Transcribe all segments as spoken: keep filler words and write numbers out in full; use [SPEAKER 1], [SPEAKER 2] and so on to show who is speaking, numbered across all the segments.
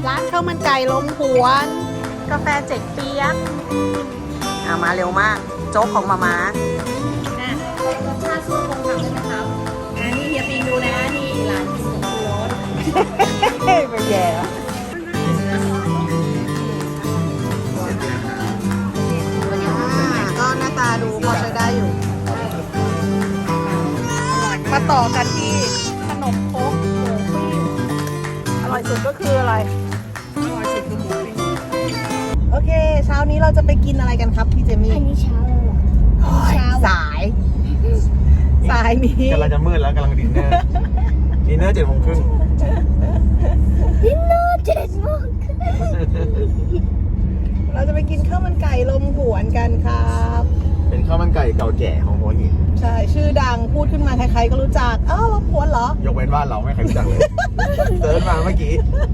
[SPEAKER 1] ร้านข้าวมันไก่ลมหวนกาแฟเจ๊กเปี๊ยกอ่ามาเร็วมากโจ๊กของมาม่าอ่ะรสชาติสู้คงทำได้ไหมครับอ่านี่เฮียปิงดูนะนี่ร้านกินของรสไปแย่ก็หน้าตาดูพอใช้ได้อยู่มาต่อกันที่ขนมครกหมูปิ้งอร่อยสุดก็คืออะไรอร่อยสุดคือหมูปิ้งโอเคเช้านี้เราจะไปกินอะไรกันครับพี่เจมี่
[SPEAKER 2] อันนี้เช้าเลยเหรอ
[SPEAKER 1] เช้าสายสายนี้
[SPEAKER 3] กำลังจะมืดแล้วกำลังดินเนอร์ดินเนอร์เจ็ดโมงครึ่ง
[SPEAKER 2] ดินเนอร์เจ็ดโมง
[SPEAKER 1] เราจะไปกินข้าวมันไก่ลมหวนกันครับ
[SPEAKER 3] เป็นข้าวมันไก่เก่าแก่ของหัวหิน
[SPEAKER 1] ใช่ชื่อดังพูดขึ้นมาใครๆก็รู้จักอ้าวลมหวนเหรอย
[SPEAKER 3] กเว้นว่าเราไม่เคยรู้จักเลยเซิร์ชมาเมื่อกี้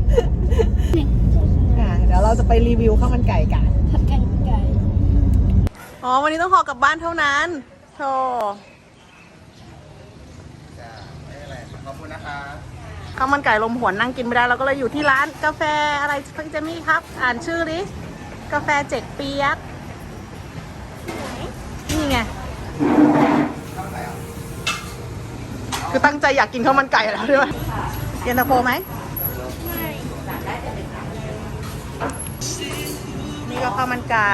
[SPEAKER 1] อ่ะเดี๋ยวเราจะไปรีวิวข้าวมันไก่กัน
[SPEAKER 2] ผัดกันไก่
[SPEAKER 1] อ๋อวันนี้ต้องห่อกลับบ้านเท่านั้นโธ่
[SPEAKER 3] ขอบคุณนะคะ
[SPEAKER 1] ข้าวมันไก่ลมหวนนั่งกินไม่ได้เราก็เลยอยู่ที่ร้านกาแฟอะไรพี่เจมี่ครับ อ่านชื่อดิกาแฟเจ๊กเปี๊ยกนี่ไงคือตั้งใจอยากกินข้าวมันไก่แล้วด้วยเย็นตาโฟไหมนี่ก็ข้าวมันไก่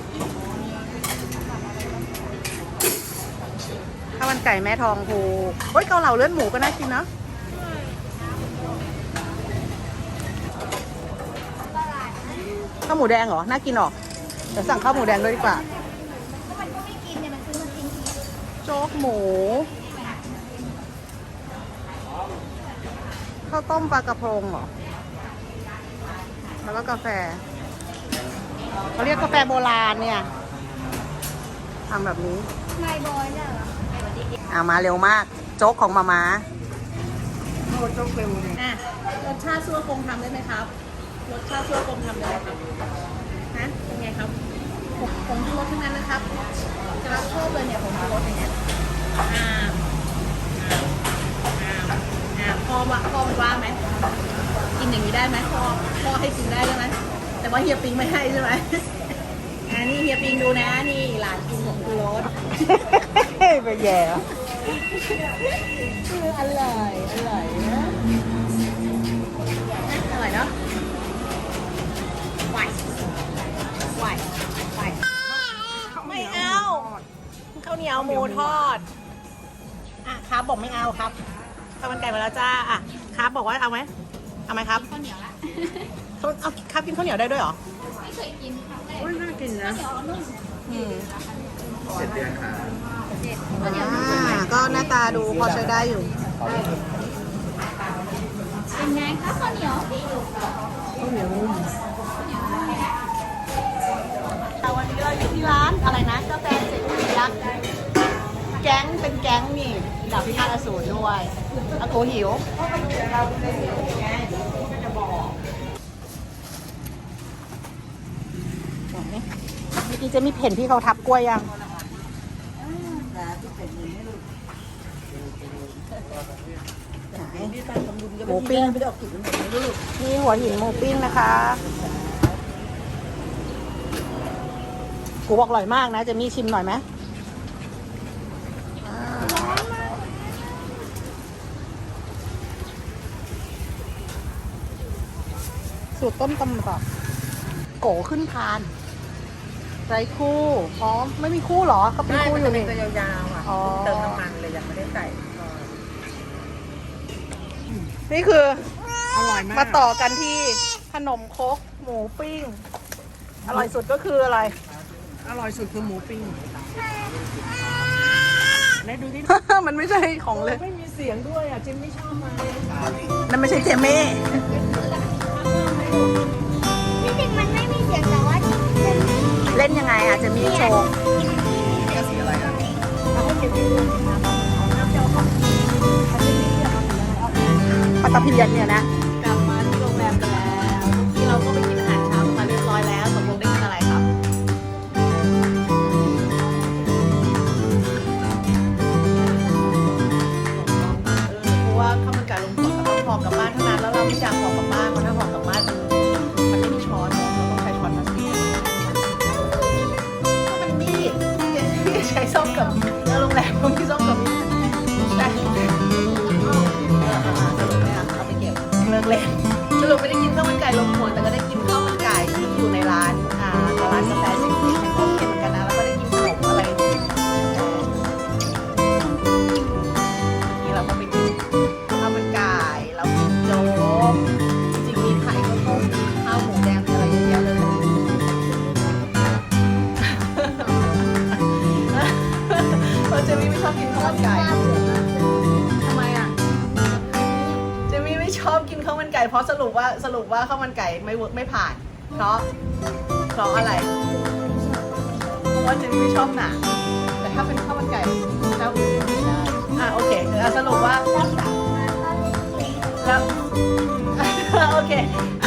[SPEAKER 1] ข้าวมันไก่แม่ทองภูเฮ้ยเกาเหลาเลือดหมูก็น่ากินเนาะข้าวหมูแดงเหรอ น่ากินหรอ เดี๋ยวสั่งข้าวหมูแดงด้วยดีกว่า
[SPEAKER 2] มันก็ไม่กินเนี่ยมันซื้อมากินที
[SPEAKER 1] โจ๊กหมู ข้าวต้มปลากระพงเหรอ แล้วก็กาแฟ เขาเรียกกาแฟโบราณเนี่ยทำแบบนี้
[SPEAKER 2] ไม่บอยเนี่ยเหรอ
[SPEAKER 1] อ่ามาเร็วมาก โจ๊กของมาม่าโอ้โจ๊กเร็วเลยอ่ะรสชาติซั่วกงทำได้ไหมครับ รสชาติซั่วกงทำได้ไหมครับฮะเป็นไงครับผงชูรสทั้งนั้นนะครับจะรับชอบเลยเนี่ยผงชูรสอย่างเงี้ยอ่าอ่าอ่าอ่าพ่อว่าพ่อมันว่าไหมกินอย่างนี้ได้ไหมพ่อพ่อให้กินได้ใช่ไหมแต่ว่าเฮียปิงไม่ให้ใช่ไหมอ่านี่เฮียปิงดูนะนี่หลานกินผงชูรสไปแย่อร่อยอร่อยนะอร่อยเนาะไหวไหวไหวไม่เอาข้าวเหนียวหมูทอดอ่ะครับบอกไม่เอาครับข้าวมันไก่มาแล้วจ้าอ่ะครับบอกว่าเอาไหมเอาไหมครับข้าวเหนียวละเขาเอาครับกินข้าวเหนียวได้ด้วยเหรอไม่เคยกินครั้งแรกน่ากินนะอืม
[SPEAKER 3] เจ็ดเดือนค่ะ
[SPEAKER 1] อ่าก็หน้าตาดูพอใช้ได้อยู่
[SPEAKER 2] เป็นไงคะข้าวเหนียว
[SPEAKER 1] ข้าวเหนียวนุ่มวันนี้เราอยู่ที่ร้านอะไรนะกาแฟเสร็จยักษ์แก๊งเป็นแก๊งนี่ดาบพิฆาตอสูรด้วยอากูหิวเมื่อกี้จะมีเพ่นที่เขาทับกล้วยยังหมูปิ้งนี่หัวหินหมูปิ้งนะคะกูบอกอร่อยมากนะจะมีชิมหน่อยไหมสูตรต้มตำแบบโกขึ้นพานไรคู่พร้อมไม่มีคู่เหรอก็เป็นคู่อยู่นี่
[SPEAKER 4] ตัวยาวๆอ่ะ
[SPEAKER 1] อ๋อ
[SPEAKER 4] เติมน้ำมันเลยยังไม่ได้ใส่
[SPEAKER 1] นี่คือ
[SPEAKER 4] อร่อยมาก
[SPEAKER 1] มาต่อกันที่ขนมครกหมูปิ้ง อร่อยสุดก็คืออะไร
[SPEAKER 4] อร่อยสุดคือหมูปิ้งไหนดูดิ
[SPEAKER 1] มันไม่ใช่ของเลย
[SPEAKER 4] ไม่มีเสียงด้วยอ่ะจิมไม่ชอบมา
[SPEAKER 1] นั่นไม่ใช่เจเม่
[SPEAKER 2] ที่จริงมันไม่มีเสียงแต่ว่า
[SPEAKER 1] เล่นยังไงอ่ะเจมี่โชว์ปลาตะเพียนเนี่ยนะกลับมาที่โรงแรมกันแล้วที่เราก็ไปกินอาหารเช้ามาเรียบร้อยแล้วตกลงได้กินอะไรครับเพราะว่าข้าวมันไก่ลงก่อนก็ต้องห่อกลับบ้านเท่านั้นแล้วเราไม่อยากห่อกลับบ้านเพราะถ้าห่อกลับบ้านมันสรุปไม่ได้กินข้าวมันไก่ลมควนแต่ก็ได้กินข้าวมันไก่ที่อยู่ในร้านอ่าร้านกาแฟเซ็กซี่ฉันก็โอเคเหมือนกันนะแล้วก็ได้กินขนมอะไรนี่เราก็ไปกินข้าวมันไก่เรากินโจ๊กจริงๆมีไข่ข้าวต้มข้าวหมูแดงมีอะไรเยอะแยะเลยเพราะเจมี่ไม่ชอบกินข้าวมันไก่ทำไมอ่ะเจมี่ไม่ชอบกินข้าวมันไก่เพราะสรุปว่าสรุปว่าข้าวมันไก่ไม่เวิร์กไม่ผ่าน เพราะเพราะอะไรเพราะว่าเจมี่ไม่ชอบหนังแต่ถ้าเป็นข้าวมันไก่เจ้าอื่นไม่ได้อ่ะโอเคอ่ะสรุปว่าแล้ว โอเค